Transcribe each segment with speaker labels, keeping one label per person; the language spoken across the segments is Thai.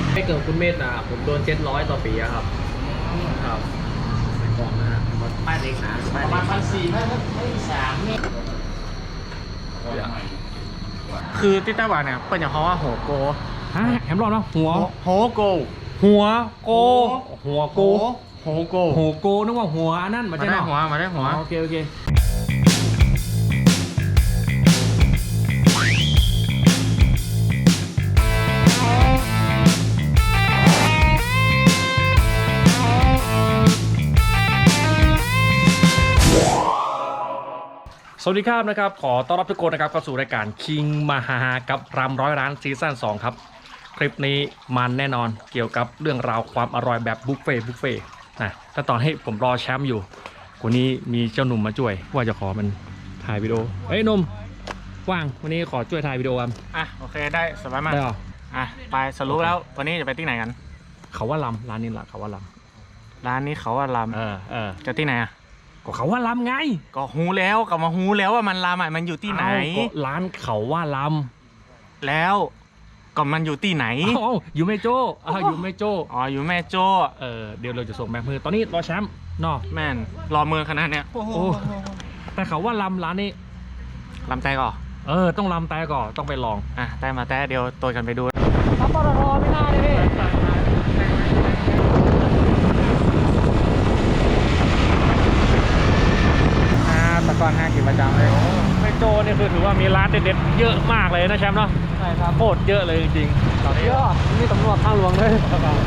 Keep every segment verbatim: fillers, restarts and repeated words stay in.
Speaker 1: ไม่เกินคุณเมธนะผมโดนเจ็ดร้อยต่อปีครับครับก่อนนะฮะป้ายเล็กนะประมาณพันสี่พันพันสาม
Speaker 2: คือที่ไต้หวันเนี่ยเป็นอย่างเขาว่าโหโก
Speaker 3: ฮะแฮมรอดเนาะหัว
Speaker 2: โหโก
Speaker 3: หัวโกหัวโก
Speaker 2: โหโก
Speaker 3: โหโกนึกว่าหัวอันนั้น
Speaker 2: มา
Speaker 3: ใช่
Speaker 2: ได้
Speaker 3: เนาะ
Speaker 2: หัวมาได้หัว
Speaker 3: โอเคโอเคสวัสดีครับนะครับขอต้อนรับทุกคนนะครับเข้าสู่รายการคิงมหากับรำร้อยร้านซีซั่นสองครับคลิปนี้มันแน่นอนเกี่ยวกับเรื่องราวความอร่อยแบบบุฟเฟ่บุฟเฟ่นะแต่ตอนให้ผมรอแชมป์อยู่วันนี้มีเจ้าหนุ่มมาช่วยว่าจะขอมันถ่ายวิดีโอเอ้ยหนุ่มว่างวันนี้ขอช่วยถ่ายวิดีโอครับ
Speaker 2: อ่ะโอเคได้สบายมาก
Speaker 3: ได้หรอ
Speaker 2: อ่ะไปสรุปแล้ววันนี้จะไปที่ไหนกัน
Speaker 3: เขาว่าลำร้านนี้แหละเขาว่าล
Speaker 2: ร้านนี้เขาว่าล
Speaker 3: ำเออเออ
Speaker 2: ำจะที่ไหนอ่ะ
Speaker 3: ก็เขาว่าลำไง
Speaker 2: ก็ฮูแล้วก็มาฮูแล้วว่ามันลำอ่ะมันอยู่ที่ไหน
Speaker 3: เอ้าก็ร้านเขาว่าล
Speaker 2: แล้วก็มันอยู่ที่ไหน
Speaker 3: ำเอ้าอยู่ไม่โจ้อ้าวอยู่ไม่โจ้
Speaker 2: อ๋ออยู่แม่โจ้
Speaker 3: เออเดี๋ยวเราจะส่งแบงค์มือตอนนี้รอแชมป์เนาะ
Speaker 2: แม่นรอเมืองขนาดเนี้ย
Speaker 3: โอ้แต่เขาว่าลำร้านนี้
Speaker 2: ลำใจก่อน
Speaker 3: เออต้องลำแต่ก่อนต้องไปลอง
Speaker 2: อ่ะได้มาแต่เดียวตัวกันไปดู
Speaker 3: ปตทไม่น่าเลยพี่อ่าแต่ก่อนห้ากินประจำเลยไม่โจนี่คือถือว่ามีร้านเด็ดๆเยอะมากเลยนะแชมป์เนาะใช่ครับโคตรเยอะเลยจริงๆตอนนี้เยอะมีตำรวจทางหลวงเลย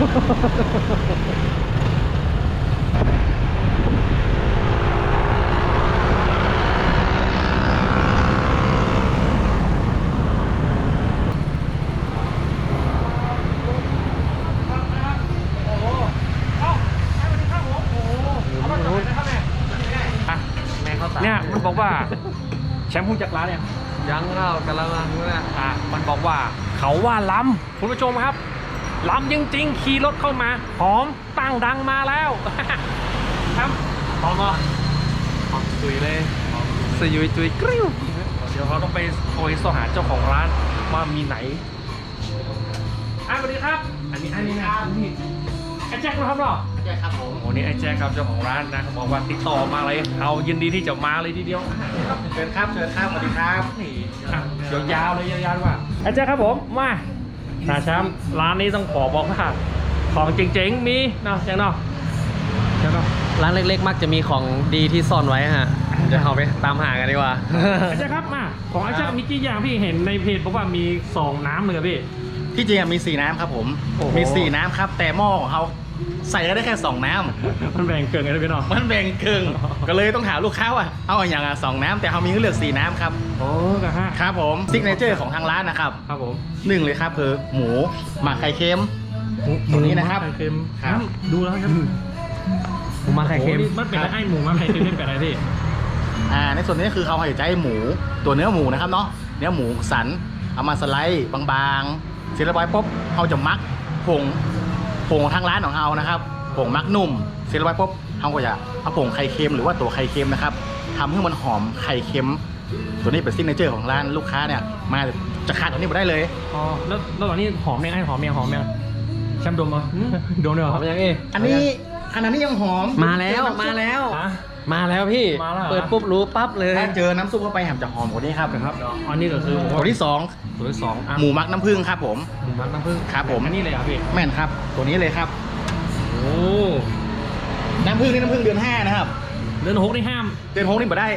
Speaker 3: เนี่ยมันบอกว่าแชมป์พูดจากร้านเนี่ย
Speaker 1: ยังเข้ากำลังนะ
Speaker 3: อ่ะมันบอกว่าเขาว่าล้ำคุณผู้ชมครับล้ำจริงๆขี่รถเข้ามาหอมตั้งดังมาแล้วครับพร้อมอ่ะตุยเลยสยุยตุยกริ้วเดี๋ยวเราต้องไปโทรสหาเจ้าของร้านว่ามีไหนอ่ะสวัสดีครับอันนี้อันนี้นะนี่ไอ้แจ็คนะครับเนาะ
Speaker 1: ใช่ครับผม
Speaker 3: โอ้นี่ไอ้แจ็คครับเจ้าของร้านนะเขาบอกว่าติดต่อมาเลยเอายินดีที่จะมาเลยทีเดียว
Speaker 1: เชิญครับเชิญครับสวัสดีครับ
Speaker 3: นี่อ่ะเดี๋ยวยาวเลยยาวๆว่าไอ้แจ็คครับผมมานาแชมป์ร้านนี้ต้องขอบอกว่าของเจ๋งๆมีเนาะแจ็คเนาะแจ็คเนาะ
Speaker 1: ร้านเล็กๆมักจะมีของดีที่ซ่อนไว้ฮะเดี๋ยวเราไปตามหากันดีกว่า
Speaker 3: ไอ้แจ็คครับมาของไอ้แจ็คมีกี่อย่างพี่เห็นในเพจบอกว่ามีสองน้ำเลยอะพี่
Speaker 2: ที่จริงมีสี่น้ำครับผม
Speaker 3: โอ้โห
Speaker 2: มีสี่น้ำครับแต่หม้อของเขาใส่ได้แค่สองน้ำ
Speaker 3: มันแบ่งเกินกันเลยพี่เนาะ
Speaker 2: มันแบ่งครึ่งก็เลยต้องถามลูกค้าว่าเอาอย่างอ่ะสองน้ำแต่เขามีให้เลือกสี่น้ำครับ
Speaker 3: โอ้กะฮะ
Speaker 2: ครับผมซิกเนเจอร์ของทางร้านนะครับ
Speaker 3: ครับผม
Speaker 2: หนึ่งเลยครับคือหมูหมักไข่เค็ม ตัวนี้นะครับ
Speaker 3: ไข่เค็ม
Speaker 2: ครับ
Speaker 3: ดูแล้วครับ
Speaker 1: หมูมาไข่เค็ม
Speaker 3: โอ้นี่มันเป็นอะไรไอ้หมูมาไข่เค็มไม่เป็นอะไรพี่
Speaker 2: อ่าในส่วนนี้คือเขาให้ใจหมูตัวเนื้อหมูนะครับเนาะเนื้อหมูสันเอามาสไลด์บางๆเสร็จเรียบร้อยปุ๊บเขาจะมักผงผงของทางร้านของเขานะครับผงมักนุ่มเสร็จเรียบร้อยปุ๊บเขาก็จะเอาผงไข่เค็มหรือว่าตัวไข่เค็มนะครับทำให้มันหอมไข่เค็มตัวนี้เป็นซิกเนเจอร์ของร้านลูกค้าเนี่ยมาจะขาดตัวนี้ไม่ได้เลย
Speaker 3: อ๋อแล้วแล้วตอนนี้หอมยังไงหอมยังหอมยังแชมป์ดมเหรอดมเลยเหรอ
Speaker 1: หอมยังเอ้
Speaker 2: อันนี้อันนี้ยังหอม
Speaker 1: มาแล้วมาแล้ว
Speaker 3: อ่ะ
Speaker 1: มาแล้วพี่
Speaker 3: มาแล้วเหรอ
Speaker 1: เปิดปุ๊บรู้ปั๊บเลย
Speaker 2: ถ้าเจอน้ำซุปเข้าไปแหมจะหอมกว่านี้ครับ
Speaker 3: ครับอันนี้ก็คือ
Speaker 2: ตัวที่สอง
Speaker 3: ตัวที่สองอ่ะ
Speaker 2: หมูมักน้ำผึ้งครับผม
Speaker 3: หมูมักน้ำผึ้ง
Speaker 2: ครับผม
Speaker 3: อันนี้เลยเหรอ่ะพี่
Speaker 2: แม่นครับ ตัวนี้เลยครับ
Speaker 3: โอ้
Speaker 2: น้ำผึ้งนี่น้ำผึ้งเดือนห้านะครับ
Speaker 3: เดือนหกนี่ห้าม
Speaker 2: เดือนหกนี่มาได้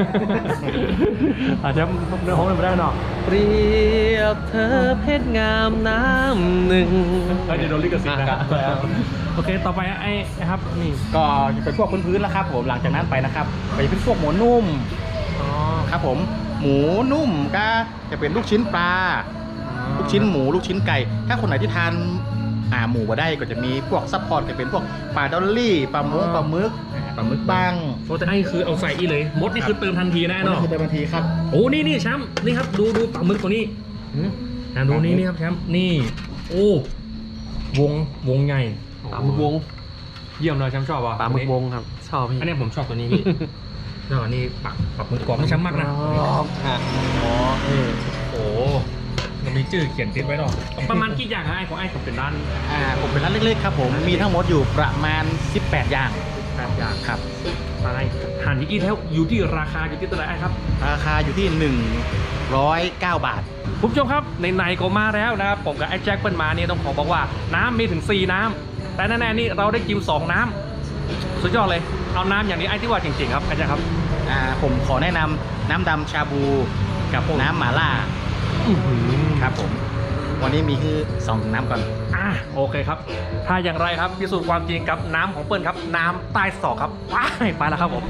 Speaker 3: อาจจะเดือนหกนี่ไม่ได้เนาะ
Speaker 1: เปรียบเธอเพชรงามน้ำหนึ่ง
Speaker 3: เดี๋ยวโดนลิขสิทธิ์นะครับโอเคต่อไปไอ้ครับนี่
Speaker 2: ก็จะเป็นพวกพื้นๆแล้วครับผมหลังจากนั้นไปนะครับไปเป็นพวกหมูนุ่ม
Speaker 3: อ๋อ
Speaker 2: ครับผมหมูนุ่มก็จะเป็นลูกชิ้นปลาลูกชิ้นหมูลูกชิ้นไก่ ถ้าคนไหนที่ทานอ่าหมูมาได้ก็จะมีพวกซัพพอร์ตก็เป็นพวกปลาดอลลี่ปลาหมูปลาหมึกปลาหมึกบ้าง
Speaker 3: โอ้แต่ไอ้คือเอาใส่อีเลยมดนี่คือเติมทันทีแน่
Speaker 2: นั่น
Speaker 3: เนาะ
Speaker 2: คือเป็นบันทีครับ
Speaker 3: โอ้นี่นี่แชมป์นี่ครับดูดูปลาหมึกตัวนี้นะดูนี่นี่ครับแชมป์นี่โอ้วงวงใหญ่
Speaker 1: ปลาหมึกวง
Speaker 3: เยี่ยมเลยแชมป์ชอบป่ะ
Speaker 1: ปลาหมึกวงครับ ชอบพี่
Speaker 3: อันนี้ผมชอบตัวนี้พี่ แล้วอันนี้ปักปักหมึกกรอบไม่ช้ำมากนะ
Speaker 1: ฮะ
Speaker 3: อ๋อเออโอ้ยังมีชื่อเขียนติดไว้หรอประมาณกี่อย่างฮะไอ้ของไอ้ผมเป็นร้าน
Speaker 2: อ่าผมเป็นร้านเล็กๆครับผมมีทั้งหมดอยู่ประมาณสิบแปดอย่าง
Speaker 3: แปดอย่าง
Speaker 2: ครับ
Speaker 3: ร้านไอ้หันอีกแล้วอยู่ที่ราคาอยู่ที่ตัวไหนไอ้ครับ
Speaker 2: ราคาอยู่ที่หนึ่งร้อยเก้าบาท
Speaker 3: คุณผู้ชมครับในๆก็มาแล้วนะครับผมกับไอ้แจ็คเปิ้ลมาเนี่ยต้องขอบอกว่าน้ำมีถึงสี่น้ำแต่แน่ๆนี่เราได้กินสองน้ำสุดยอดเลยเอาน้ำอย่างนี้ไอ้ที่ว่าจริงๆครับไอ้แจ็คครับ
Speaker 2: อ่าผมขอแนะนำน้ำดำชาบูกับน้ำหม่าล่า
Speaker 3: อื้อหือ
Speaker 2: ครับผม วันนี้มีคือสองน้ำก่อน
Speaker 3: อ่ะโอเคครับ ถ้าอย่างไรครับพิสูจน์ความจริงกับน้ำของเปิ้ลครับน้ำใต้ศอกครับว้ายไปแล้วครับผม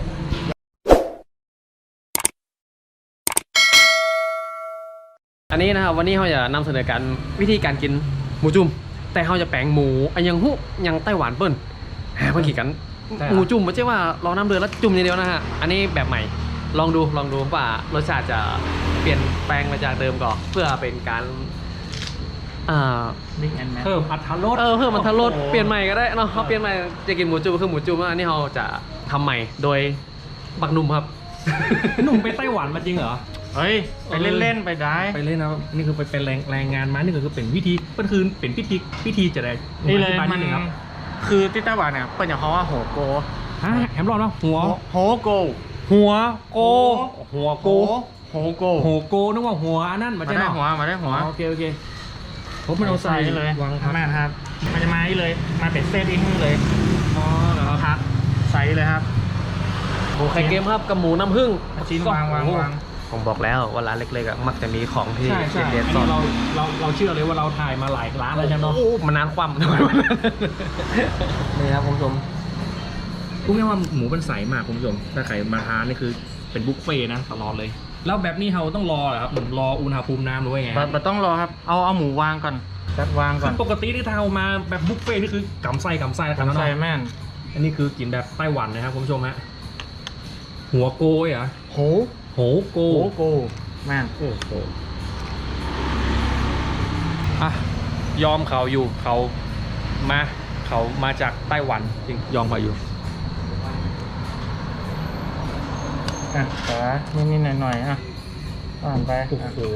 Speaker 3: อันนี้นะครับวันนี้เขาจะนำเสนอการวิธีการกินหมูจุ่มแต่เขาจะแปลงหมูอันยังหุยังไต้หวันเปิ้ลหาเพิ่งขี่กันหมูจุ่มไม่ใช่ว่ารอน้ำเดือดแล้วจุ่มอย่างเดียวนะฮะอันนี้แบบใหม่ลองดูลองดูว่ารสชาติจะเปลี่ยนแปลงมาจากเดิมก่อนเพื่อเป็นการอ่า
Speaker 2: Big and Mac
Speaker 3: เพิ่มอัตรสเออเพิ่มอัตรสเปลี่ยนใหม่ก็ได้เนาะเขาเปลี่ยนใหม่จะกินหมูจุ่มก็คือหมูจุ่มอันนี้เราจะทำใหม่โดยบักหนุ่มครับ หนุ่มไปไต้หวันมาจริงเหรอ
Speaker 2: เฮ้ย ไปเล่นๆไปได้
Speaker 3: ไปเล่นนะนี่คือไปเป็นแรงแรงงานมานี่ก็คือเป็นวิธีก็คือเป็นพิธีพิธีจะได้
Speaker 2: นี่เลย
Speaker 3: อธิบา
Speaker 2: มัน
Speaker 3: ดงครับ
Speaker 2: คือที่ไต้หวันเนี่ยเปิดอย่างเขาว่าโหโก
Speaker 3: ฮะแฮมรอดเนาะหัว
Speaker 2: โหโก
Speaker 3: หัวโกหัวโก
Speaker 2: โหโก
Speaker 3: หัวโกนึกว่าหัวอันนั้น
Speaker 2: มา
Speaker 3: ไม่ใช่
Speaker 2: ได้
Speaker 3: เนาะ
Speaker 2: หัวมาได้หัว
Speaker 3: อ๋อโอเคโอเคผมไม่เอาใส่
Speaker 2: เลยว
Speaker 3: างครับ
Speaker 2: แม่ครับ มันจะมาอีเลย มาเป็นเซตอีกเลย
Speaker 3: อ๋อเหรอครับ
Speaker 2: พักใส่เลยครับ
Speaker 3: หมูไข่เค็มครับกับหมูน้ำผึ้ง
Speaker 2: ชิ้นวางวางวาง
Speaker 3: ผมบอกแล้วว่าร้านเล็กๆอ่ะมักจะมีของที่
Speaker 1: ใช่ใช่
Speaker 3: เด็ด
Speaker 1: อัน
Speaker 3: ๆซ่อ
Speaker 1: นี้
Speaker 3: น
Speaker 1: เราเราเราเชื่อเลยว่าเราถ่ายมาหลายร้านแล้วใช่ไหมเนาะ
Speaker 3: โอ้มันนานคว่ำ นี่ครับคุณผู้ชมพูดง่ายๆว่าหมูมันใสมากคุณผู้ชมถ้าใครมาทานนี่คือเป็นบุฟเฟ่ต์นะตลอดเลย แล้วแบบนี้เราต้องรอเหรอครับรออุณหภูมิน้ำหรือว่าไง
Speaker 2: เราต้องรอครับ เอาเอาหมูวางก่อนแป๊บวางก่
Speaker 3: คือ อน ปกติที่เรามาแบบบุฟเฟ่ต์นี่คือกำไส้กำไส้แล้วกัน
Speaker 2: ใส่
Speaker 3: เนาะ
Speaker 2: แม่น
Speaker 3: อันนี้คือกินแบบไต้หวันนะครับคุณผู้ชมฮะหัวโกยเหรอ
Speaker 2: โห
Speaker 3: โหโก
Speaker 2: โหโกแม่น
Speaker 3: โอ้โหอ่ะยอมเขาอยู่เขามาเขามาจากไต้หวันจริงยอมเขาอยู่
Speaker 2: อ่ะแต่นิดๆหน่อยๆอ่ะอ่านไป
Speaker 3: โอ้โห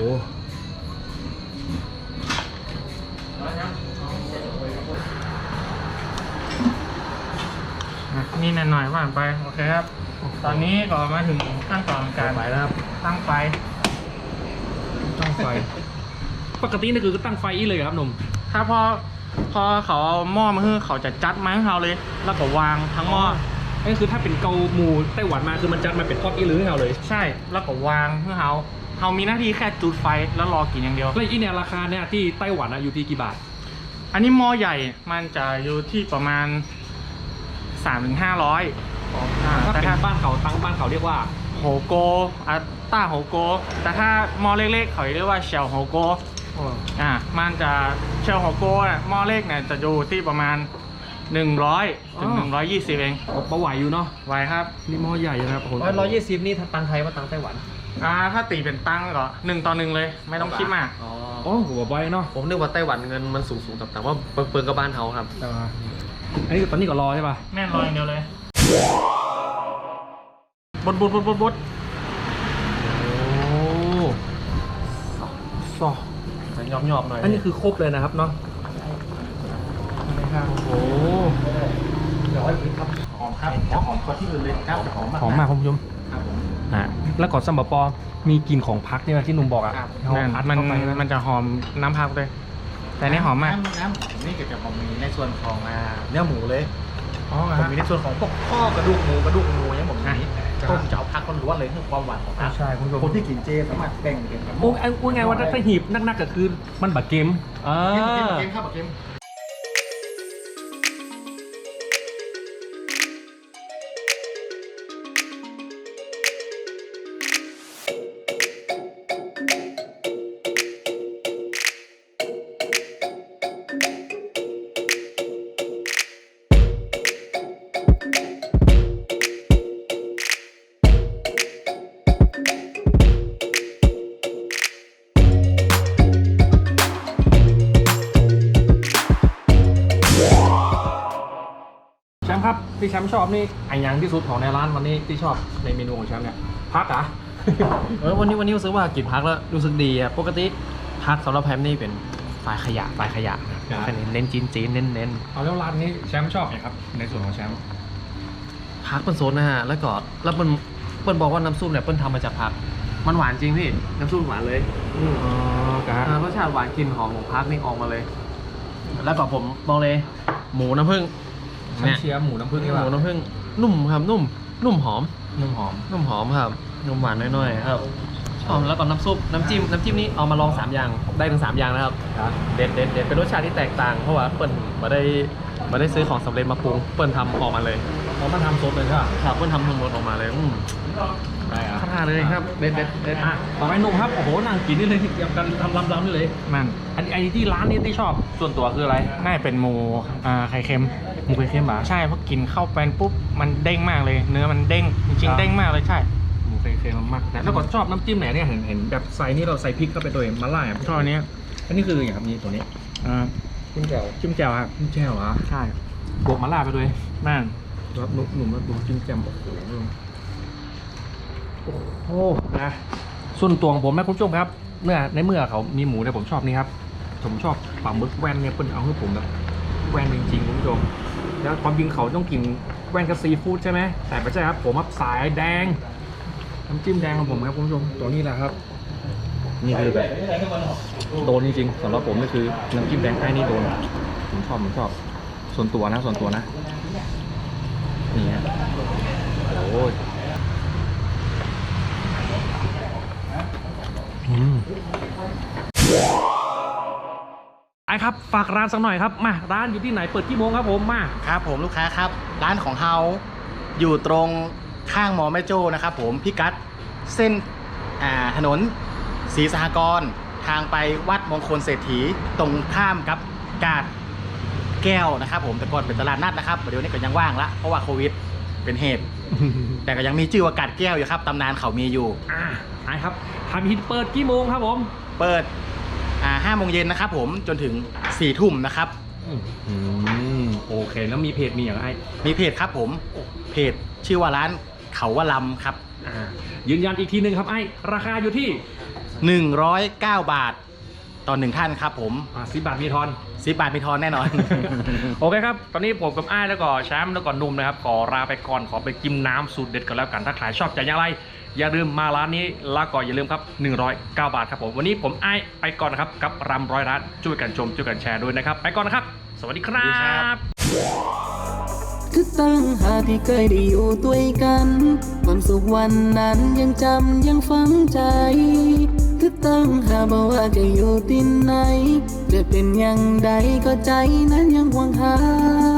Speaker 2: อ่ะนี่หน่อยๆว่านไปโอเคครับ ตอนนี้ก็มาถึงขั้นตอนการ
Speaker 3: ไปแล้วครับ
Speaker 2: ตั้งไฟ
Speaker 3: ตั้งไฟ ปกตินี่คือตั้งไฟอีเลยเหรอครับหนุ่ม
Speaker 2: ถ้าพอพอเขาเอาหม้อมาให้เขาจะจัดมาให้เราเลย แล้วก็วางทั้งหม้อ
Speaker 3: นี่คือถ้าเป็นเกาหมูไต้หวันมาคือมันจัดมาเป็นทอดอีหรือให้เราเลย
Speaker 2: ใช่แล้วก็วางให้เขาเขามีหน้าที่แค่จุดไฟแล้วรอกินอย่างเดียว
Speaker 3: แล้วอีเนี่ยราคาเนี่ยที่ไต้หวันอะอยู่ที่กี่บาท
Speaker 2: อันนี้หม้อใหญ่มันจะอยู่ที่ประมาณสามถึงห้าร้อย
Speaker 3: ถ้า
Speaker 2: แต่
Speaker 3: เป็น
Speaker 2: ถ้า
Speaker 3: บ้านเขาตั้งบ้านเขาเรียกว่า
Speaker 2: โฮโกอัตต้าโฮโกแต่ถ้าหม้อเล็กๆเขาเรียกว่าเชลโฮโกอ่ามันจะเชลโฮโกอ่ะหม้อเล็กเนี่ยจะอยู่ที่ประมาณหนึ่งร้อยถึงหนึ่งร้อยยี่สิบเอง
Speaker 3: ก็ไหวอยู่เนาะ
Speaker 2: ไว้ครับ
Speaker 3: นี่หม้อใหญ่นะครับโอ้โหร้อยยี่สิบนี่ถ้าตังไทยว่าตังไต้หวัน
Speaker 2: อ่าถ้าตีเป็นตั้งก็หนึ่งต่อหนึ่งเลย ไม่ต้องคิดมาก
Speaker 3: อ๋อโอ้หัวใบเนาะ
Speaker 1: ผมนึกว่าไต้หวันเงินมันสูงสูงแต่ว่าเปิงเปิงกับบ้านเขาครับ
Speaker 3: อันนี้ตอนนี้ก็รอใช่ป่ะ
Speaker 2: แม่นรออย่างเดียวเลยบดบดบดบดบด
Speaker 3: โอ้ซอ
Speaker 2: หยอบหยอบหน่อย
Speaker 3: อันนี้คือครบเลยนะครับเนาะ
Speaker 2: นะครับ
Speaker 3: โอ้
Speaker 2: เดี๋ยวให้ครับหอมครับหอมกว่าที่อื่นเลยครับหอมมาก
Speaker 3: หอมมากคุณผู้ชม
Speaker 2: ครับผม
Speaker 3: อ่ะแล้วก่อนซัมบะปอมีกลิ่นของพักใช่ไหมที่หนุ่มบอกอ่ะ
Speaker 2: ครับ
Speaker 3: เอา
Speaker 2: มัน
Speaker 3: พัด
Speaker 2: มัน
Speaker 3: เข้าไปนะ
Speaker 2: มันจะหอมน้ำพักเลย แต่นี่หอมมาก
Speaker 4: น้ำน้ำผมนี่ก็จะผมมีในส่วนของอ่าเนื้อหมูเลย
Speaker 2: อ๋อ
Speaker 4: ผม
Speaker 2: ฮะ
Speaker 4: มีในส่วนของพวกข้อกระดูกหมูกระดูกหมูอย่างผมมี
Speaker 2: อ่ะ
Speaker 4: ต้มจะเอาพักล้วนๆเลยเพื่อความหวานของพัก
Speaker 3: ใช่คุณผู้ชม
Speaker 4: คนที่กินเจสามารถแบ่งเป็นกับ
Speaker 3: โอ้ไอ้พูดไงว่าถ้าถ้าหีบนักๆก็คือมันบะเกมอ่า
Speaker 4: เกมเกมเกมครับเกม
Speaker 3: แชมป์ครับที่แชมป์ชอบนี่ไอ้ยังที่สุดของในร้านวันนี้ที่ชอบในเมนูของแชมป์เนี่ยพักอ่ะ
Speaker 1: เออวันนี้วันนี้รู้สึกว่ากินพักแล้วรู้สึกดีอ่ะปกติ
Speaker 3: พักสำหรับแพมนี่เป็นฝ่ายขยะฝ่ายขยะนะครับเน้นจีนจีนเน้นเน้น
Speaker 4: เอาแล้วร้านนี้แชมป์ชอบไงครับในส่วนของแชมป์
Speaker 3: พักเป็นโซนนะฮะแล้วก็แล้วมันเปิ้ลบอกว่าน้ำซุปเนี่ยเปิ้ลทำมาจากผักมันหวานจริงพี่น้ำซุปหวานเลยอืม
Speaker 4: อ๋อครับ
Speaker 3: อ่ารสชาติหวานกลิ่นหอมของพักนี่ออกมาเลย แล้วก็ผมบอกเลย หมูน้ำผึ้ง
Speaker 4: ฉันเชียร์หมูน้ำผึ้งนี่
Speaker 3: ห
Speaker 4: ว่า
Speaker 3: มูน้ำผึ้งนุ่มครับนุ่ม นุ่มหอม
Speaker 4: นุ่มหอม
Speaker 3: นุ่มหอมครับนุ่มหวานน้อยๆครับชอบแล้วก็น้ำซุปน้ำจิ้มน้ำจิ้มนี้เอามาลองสามอย่างได้ถึงสามอย่างนะครับ
Speaker 4: ครับ
Speaker 3: เด็ดเด็ดเด็ดเป็นรสชาติที่แตกต่างเพราะว่าเปิ้ลมาได้มาได้ซื้อของสำเร็จมาปรุงเปิ้ลทำออกมาเลย
Speaker 4: เขามาทำซดเลยใช่ป่ะ
Speaker 3: ครับเปิ้ลทำทั้งหมดออกมาเลยอืม
Speaker 4: ได้อะ
Speaker 3: ท่าเลยครับเด็ดเด็ดเด็ด
Speaker 4: อ่ะต่อไปหนุ่มครับโอ้โหนั่งกินนี่เลยยังกันทำลำๆนี่เลย
Speaker 5: มัน
Speaker 4: อันนี้ไอ้ที่ร้านนี้ที่ชอบส่วนตัวคืออะไร
Speaker 5: น่าจะเป็นหมูอ่าไข่เค็ม
Speaker 4: หมูไข่เค็มเหรอ
Speaker 5: ใช่เพราะกินเข้าไปปุ๊บมันเด้งมากเลย เนื้อมันเด้งจริง
Speaker 4: ครับ
Speaker 5: ๆเด้งมากเลยใช่
Speaker 4: หมูไข่เค็มมากนะแล้วก็ชอบน้ำจิ้มไหนเนี่ยเห็นเห็นแบบใส่นี่เราใส่พริกเข้าไปตัวเองมาล่าอ่ะ
Speaker 5: ชอบอันนี้
Speaker 4: อันนี้คืออย่างครับนี่ตัวนี้
Speaker 5: อ่า
Speaker 4: จิ้มแจ่ว
Speaker 5: จิ้มแจ่วครับ
Speaker 4: จิ้มแจ่วเหรอ
Speaker 5: ใช่
Speaker 4: บวกมาล่าไปด้วย
Speaker 5: นั่น
Speaker 4: ครับหนุ่มหนุ่มมาดูจิ้มแจ่วโอ้โห
Speaker 3: โอ้นะส่วนตัวของผมนะคุณผู้ชมครับเมื่อในเมื่อเขามีหมูเนี่ยผมชอบนี่ครับผมชอบปลาหมึกแว่นเนี่ยเปิ้ลเอาให้ผมแบบแว่นจริงๆคุณผู้ชมแล้วความจริงเขาต้องกินแว่นกับซีฟู้ดใช่ไหมแต่ไม่ใช่ครับผมครับสายแดงน้ำจิ้มแดงของผมครับคุณผู้ชมตัวนี้แหละครับ นี่คือแบบโดนจริงๆสำหรับผมนี่คือน้ำจิ้มแดงไอ้นี่โดนผมชอบผมชอบส่วนตัวนะส่วนตัวนะนี่ฮะโอ้ยอืมไอ้ครับฝากร้านสักหน่อยครับมาร้านอยู่ที่ไหนเปิดกี่โมงครับผมมา
Speaker 2: ครับผมลูกค้าครับ ร้านของเฮาอยู่ตรงข้างมอแม่โจ้นะครับผมพิกัดเส้นอ่าถนนศรีสหกรณ์ทางไปวัดมงคลเศรษฐีตรงข้ามกับกาดแก้วนะครับผมแต่ก่อนเป็นตลาดนัดนะครับเดี๋ยวนี้ก็ยังว่างละเพราะว่าโควิดเป็นเหตุ แต่ก็ยังมีชื่อว่ากาดแก้วอยู่ครับตำนานเขามีอยู่
Speaker 3: อ่าไอ้ครับทำฮิตเปิดกี่โมงครับผม
Speaker 2: เปิดอ่าห้าโมงเย็นนะครับผมจนถึงสี่ทุ่มนะครับ
Speaker 3: อืมโอเคแล้วมีเพจมีอย่างไร
Speaker 2: มีเพจครับผมเพจชื่อว่าร้านเขาว่าลำครับ
Speaker 3: อ่ายืนยันอีกทีหนึ่งครับไอ้ราคาอยู่ที่
Speaker 2: หนึ่งร้อยเก้าบาทต่อหนึ่งท่านครับผม
Speaker 3: อ่าสิบบาทมีทอน
Speaker 2: สิบบาทมีทอนแน่นอน
Speaker 3: โอเคครับ ตอนนี้ผมกับอ้ายแล้วก็แชมป์แล้วก็หนุ่มนะครับ ขอลาไปก่อน ขอไปกินน้ำสูตรเด็ดกันแล้วกัน ถ้าใครชอบจะอย่างไร อย่าลืมมาร้านนี้ แล้วก็อย่าลืมครับ หนึ่งร้อยเก้า บาทครับผม วันนี้ผมอ้ายไปก่อนนะครับ กับรำร้อยร้าน ช่วยกันชม ช่วยกันแชร์ด้วยนะครับ ไปก่อนนะครับ สวัสดีครั
Speaker 2: สวัสดีครับ บ
Speaker 6: คือตั้งหากที่เคยได้อยู่ด้วยกัน ความสุขวันนั้นยังจำยังฝังใจ คือตั้งหากบอกว่าจะอยู่ที่ไหน จะเป็นอย่างใดก็ใจนั้นยังหวังหา